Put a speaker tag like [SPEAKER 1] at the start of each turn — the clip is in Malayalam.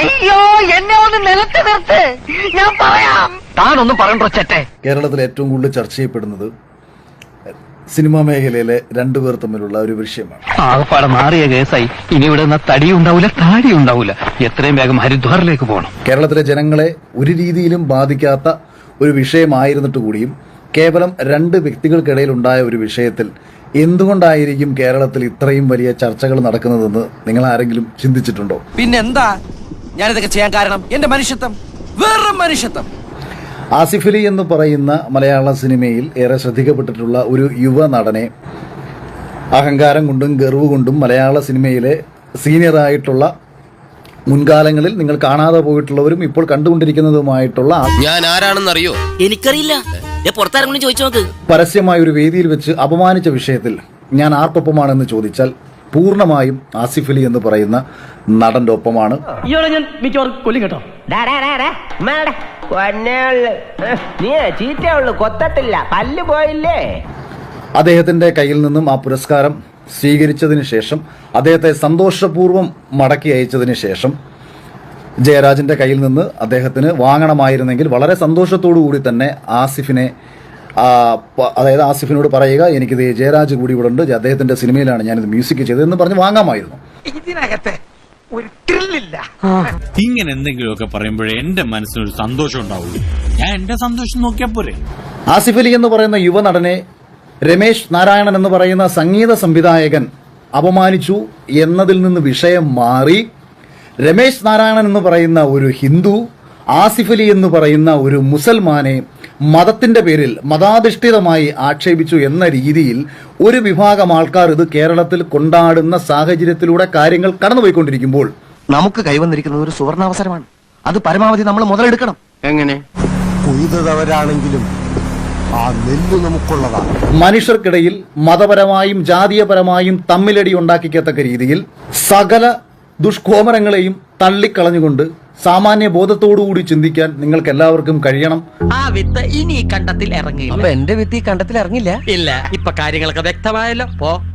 [SPEAKER 1] അയ്യോ എന്നെ ഒന്ന് നിലത്ത് നിർത്ത്, ഞാൻ പറയാം. താനൊന്നും പറയണ്ടോ ചേട്ടെ.
[SPEAKER 2] കേരളത്തിൽ ഏറ്റവും കൂടുതൽ ചർച്ച ചെയ്യപ്പെടുന്നത് സിനിമാ മേഖലയിലെ രണ്ടുപേർ തമ്മിലുള്ള ഒരു വിഷയമാണ്.
[SPEAKER 3] ആകപ്പാടെ മാറിയ കേസായി. ഇനി ഇവിടെ നിന്ന് തടി ഉണ്ടാവില്ല, താടി ഉണ്ടാവില്ല. എത്രയും വേഗം ഹരിദ്വാറിലേക്ക് പോകണം.
[SPEAKER 2] കേരളത്തിലെ ജനങ്ങളെ ഒരു രീതിയിലും ബാധിക്കാത്ത ഒരു വിഷയമായിരുന്നിട്ട് കൂടിയും കേവലം രണ്ട് വ്യക്തികൾക്കിടയിൽ ഉണ്ടായ ഒരു വിഷയത്തിൽ എന്തുകൊണ്ടായിരിക്കും കേരളത്തിൽ ഇത്രയും വലിയ ചർച്ചകൾ നടക്കുന്നതെന്ന് നിങ്ങൾ ആരെങ്കിലും ചിന്തിച്ചിട്ടുണ്ടോ?
[SPEAKER 4] പിന്നെന്താ ഞാനിതൊക്കെ ചെയ്യാൻ കാരണം? എന്റെ മനുഷ്യത്വം, വേറെ മനുഷ്യത്വം.
[SPEAKER 2] ആസിഫ് അലി എന്ന് പറയുന്ന മലയാള സിനിമയിൽ ഏറെ ശ്രദ്ധിക്കപ്പെട്ടിട്ടുള്ള ഒരു യുവ നടനെ അഹങ്കാരം കൊണ്ടും ഗർവ് കൊണ്ടും മലയാള സിനിമയിലെ സീനിയറായിട്ടുള്ള മുൻകാലങ്ങളിൽ നിങ്ങൾ കാണാതെ പോയിട്ടുള്ളവരും ഇപ്പോൾ കണ്ടുകൊണ്ടിരിക്കുന്നതുമായിട്ടുള്ള
[SPEAKER 5] ഞാൻ ആരാണെന്നറിയോ?
[SPEAKER 6] എനിക്കറിയില്ല, പുറത്താരെങ്കിലും ചോദിച്ചു നോക്ക്.
[SPEAKER 2] പരസ്യമായ ഒരു വേദിയിൽ വെച്ച് അപമാനിച്ച വിഷയത്തിൽ ഞാൻ ആർക്കൊപ്പമാണെന്ന് ചോദിച്ചാൽ പൂർണ്ണമായും ആസിഫ് അലി എന്ന് പറയുന്ന നടന്റെ ഒപ്പമാണ്.
[SPEAKER 3] ഇയാളെ ഞാൻ മിക്കവാറും കൊല്ലും കേട്ടോ.
[SPEAKER 1] നീ ചീറ്റയുള്ളു, കൊത്തട്ടില്ല, പല്ല് പോയില്ലേ.
[SPEAKER 2] അദ്ദേഹത്തിന്റെ കയ്യിൽ നിന്നും ആ പുരസ്കാരം സ്വീകരിച്ചതിന് ശേഷം അദ്ദേഹത്തെ സന്തോഷപൂർവ്വം മടക്കി അയച്ചതിന് ശേഷം ജയരാജിന്റെ കയ്യിൽ നിന്ന് അദ്ദേഹത്തിന് വാങ്ങണമായിരുന്നെങ്കിൽ വളരെ സന്തോഷത്തോടു കൂടി തന്നെ ആസിഫിനെ അതായത് ആസിഫിനോട് പറയുക, എനിക്കിത് ജയരാജ് കൂടി ഇവിടെ ഉണ്ട്, അദ്ദേഹത്തിന്റെ സിനിമയിലാണ് ഞാനിത് മ്യൂസിക് ചെയ്തതെന്ന് പറഞ്ഞ് വാങ്ങാമായിരുന്നു.
[SPEAKER 1] ഇതിനകത്ത് ഒരു ത്രില്ലില്ല.
[SPEAKER 7] ഇങ്ങനെ എന്തെങ്കിലുമൊക്കെ പറയുമ്പോഴേ എന്റെ മനസ്സിനൊരു സന്തോഷം ഉണ്ടാവുള്ളൂ. ഞാൻ എന്റെ സന്തോഷം നോക്കിയാ പോരെ.
[SPEAKER 2] ആസിഫ് അലി എന്ന് പറയുന്ന യുവനടനെ രമേശ് നാരായണൻ എന്ന് പറയുന്ന സംഗീത സംവിധായകൻ അപമാനിച്ചു എന്നതിൽ നിന്ന് വിഷയം മാറി രമേശ് നാരായണൻ എന്ന് പറയുന്ന ഒരു ഹിന്ദു ആസിഫ് അലി എന്ന് പറയുന്ന ഒരു മുസൽമാനെ മതത്തിന്റെ പേരിൽ മതാധിഷ്ഠിതമായി ആക്ഷേപിച്ചു എന്ന രീതിയിൽ ഒരു വിഭാഗം ആൾക്കാർ ഇത് കേരളത്തിൽ കൊണ്ടാടുന്ന സാഹചര്യത്തിലൂടെ കാര്യങ്ങൾ കടന്നുപോയിക്കൊണ്ടിരിക്കുമ്പോൾ
[SPEAKER 4] നമുക്ക് കൈവന്നിരിക്കുന്നത് ഒരു സുവർണാവസരമാണ്. അത് പരമാവധി നമ്മൾ മുതലെടുക്കണം.
[SPEAKER 5] എങ്ങനെ?
[SPEAKER 8] കൊയ്തവരാണെങ്കിലും ആ നെല്ല് നമുക്കുള്ളതാണ്.
[SPEAKER 2] മനുഷ്യർക്കിടയിൽ മതപരമായും ജാതീയപരമായും തമ്മിലടി ഉണ്ടാക്കിക്കത്തക്ക രീതിയിൽ സകല ദുഷ്കോമരങ്ങളെയും തള്ളിക്കളഞ്ഞുകൊണ്ട് സാമാന്യ ബോധത്തോടുകൂടി ചിന്തിക്കാൻ നിങ്ങൾക്ക് എല്ലാവർക്കും കഴിയണം.
[SPEAKER 6] ആ വിത്ത് ഇനി ഈ കണ്ടത്തിൽ ഇറങ്ങില്ല.
[SPEAKER 4] എന്റെ വിത്ത് ഈ കണ്ടത്തിൽ ഇറങ്ങില്ല.
[SPEAKER 6] ഇല്ല, ഇപ്പൊ കാര്യങ്ങളൊക്കെ വ്യക്തമായല്ലോ. പോ.